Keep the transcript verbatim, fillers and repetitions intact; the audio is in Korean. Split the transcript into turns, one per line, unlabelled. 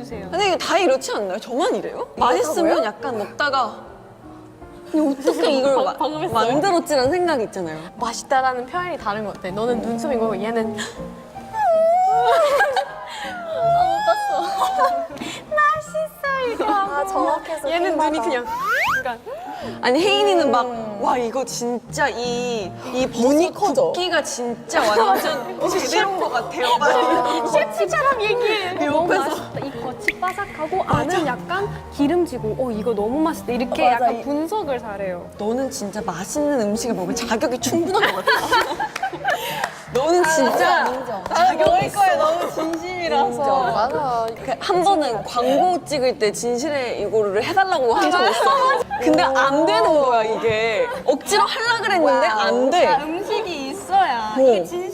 해주세요.
근데 이게 다 이렇지 않나요? 저만 이래요? 맛있으면 약간 먹다가 근데 어떻게 이걸 마,
방금 했어요?
만들었지라는 생각이 있잖아요.
맛있다라는 표현이 다른 것 같아. 너는 눈썹이고 얘는 맛있어 이거 하고
아, 정확해서
얘는
킹받아.
눈이 그냥 약간
아니 혜인이는 막 와 이거 진짜 이 이 버니 붓기가 진짜 완전 제대로인 것 같아요. 막
셰프처럼 얘기해. 너무
옆에서.
맛있다. 이 겉이 바삭하고 안은 약간 기름지고 어 이거 너무 맛있다. 이렇게
맞아.
약간
이-
분석을 잘해요.
너는 진짜 맛있는 음식을 먹을 자격이 충분한 것 같아. 너는 진짜
인정.
자격 있어. 너무 진심이라서.
맞아.
그 한 번은 광고 찍을 때 진실의 이거를 해달라고 한 적 있어. 근데 안 되는 거야 이게. 억지로 하려 그랬는데 안 돼.
음식이 있어야
이게
이게